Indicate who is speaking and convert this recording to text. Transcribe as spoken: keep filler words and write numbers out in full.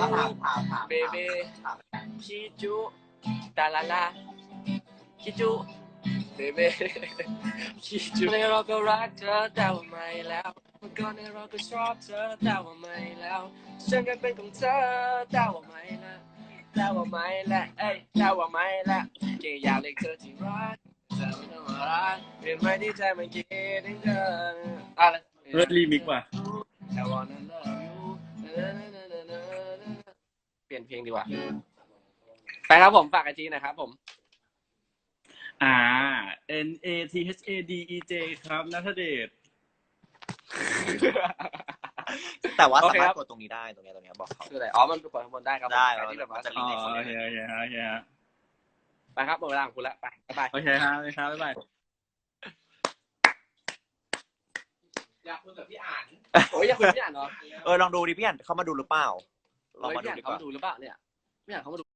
Speaker 1: เบเบชิจูตาลาลาชิจูเบเบชิจูในเราก็รักเธอแต่ว่าไม่แล้วเมื่อก่อนในเราก็ชอบเธอแต่ว่าไม่แล้วฉันก็เป็นของเธอแต่ว่าไม่แล้วแต่ว่าไม่แล้วเอ้ยแต่ว่าไม่แล้วแค่อยากเรียกเธอที่รักเธอไม่ต้องมารักเปลี่ยนไม่ที่ใจมันคิดถึงเธออะไร
Speaker 2: เลิศรีมิกว่ะ
Speaker 1: I wanna love you เปลี่ยนเพลงดีกว่าไปครับผมฝากไอจีหน่อยครับผม
Speaker 2: อ่า N A T H A D E J ครับณัฐเดช
Speaker 3: แต่ว่าสามารถกดตรงนี้ได้ตรงนี้ตรงนี้บอกเขา
Speaker 1: คืออะไรอ๋อมันกดข้างบนได้ครับ
Speaker 3: ได้
Speaker 1: ที่แบบว่า
Speaker 2: อ๋อโอเคโอเคโอเคฮะ
Speaker 1: ไปครับหมดเวลาของคุณแล้วไปไป
Speaker 2: โอเคครับโอเคครับบ๊ายบาย
Speaker 1: อยากคุยกับพี่อ่านโอ้ยอยากคุยกับพี่อ่านเหรอ
Speaker 3: เออลองดูดิพี่อ่านเขามาดูหรือเปล่าลองมาดู
Speaker 1: พี่อ่าน
Speaker 3: ดีก
Speaker 1: เขา
Speaker 3: ว่า
Speaker 1: ดูหรือเปล่าเนี่ยพี่อ่านเขามาดู